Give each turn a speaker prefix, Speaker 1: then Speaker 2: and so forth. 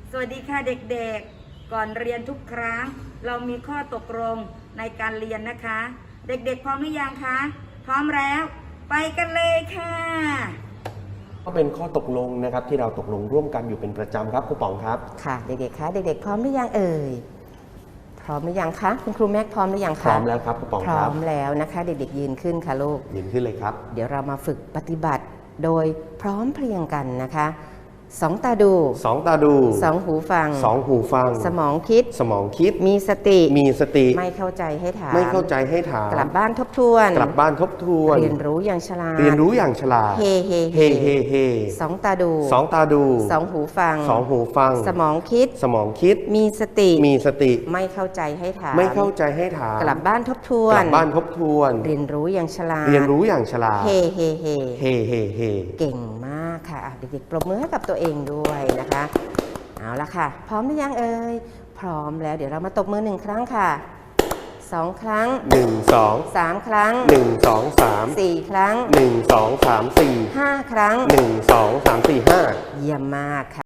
Speaker 1: สวัสดีค่ะเด็กๆก่อนเรียนทุกครั้งเรามีข้อตกลงในการเรียนนะคะ เด็กๆพร้อมหรือยังคะพร้อมแล้วไปกันเลยค่ะ
Speaker 2: ก็เป็นข้อตกลงนะครับที่เราตกลงร่วมกันอยู่เป็นประจำครับครูป๋องครับ
Speaker 3: ค่ะเด็กๆคะเด็กๆพร้อมหรือยังเอ่ยพร้อมหรือยังคะคุณครูแม็กพร้อมหรือยังคะ
Speaker 2: พร้อมแล้วครับครูป๋อง
Speaker 3: พร้
Speaker 2: ค
Speaker 3: อ
Speaker 2: รับ
Speaker 3: มแล้วนะคะเด็กๆยืนขึ้นค่ะลูก
Speaker 2: ยืนขึ้นเลยครับ
Speaker 3: เดี๋ยวเรามาฝึกปฏิบัติโดยพร้อมเพรียงกันนะคะสองตาดู
Speaker 2: สองตาดู
Speaker 3: สองหูฟัง
Speaker 2: สองหูฟัง
Speaker 3: สมองคิด
Speaker 2: สมองคิด
Speaker 3: มีสติ
Speaker 2: มีสติ
Speaker 3: ไม่เข้าใจให้ถาม
Speaker 2: ไม่เข้าใจให้ถาม
Speaker 3: กลับบ้านทบทวน
Speaker 2: กลับบ้านทบทวน
Speaker 3: เรียนรู้อย่างฉลาด
Speaker 2: เรียนรู้อย่างฉลาด
Speaker 3: เฮเฮ
Speaker 2: เฮเฮเฮ
Speaker 3: สองตาดู
Speaker 2: สองตาดู
Speaker 3: สองหูฟัง
Speaker 2: สองหูฟัง
Speaker 3: สมองคิด
Speaker 2: สมองคิด
Speaker 3: มีสติ
Speaker 2: มีสติ
Speaker 3: ไม่เข้าใจให้ถาม
Speaker 2: ไม่เข้าใจให้ถาม
Speaker 3: กลับบ้านทบทว
Speaker 2: ก
Speaker 3: น
Speaker 2: ลับบ้านทบทวน
Speaker 3: เรียนรู้อย่างฉลาด
Speaker 2: เรียนรู้อย่างฉลาด
Speaker 3: เฮเฮเฮ
Speaker 2: เฮเฮเฮ
Speaker 3: เก่งมากค่ะเด็กๆปรบมือให้กับตัวเองด้วยนะคะเอาละค่ะพร้อมหรือยังเอ่ยพร้อมแล้วเดี๋ยวเรามาตบมือ1ครั้งค่ะ2ครั้ง
Speaker 2: 1 2
Speaker 3: 3ครั้ง
Speaker 2: 1 2 3
Speaker 3: 4ครั้ง
Speaker 2: 1 2 3 4
Speaker 3: 5ครั้ง
Speaker 2: 1 2 3 4 5
Speaker 3: เยี่ยมมากค่ะ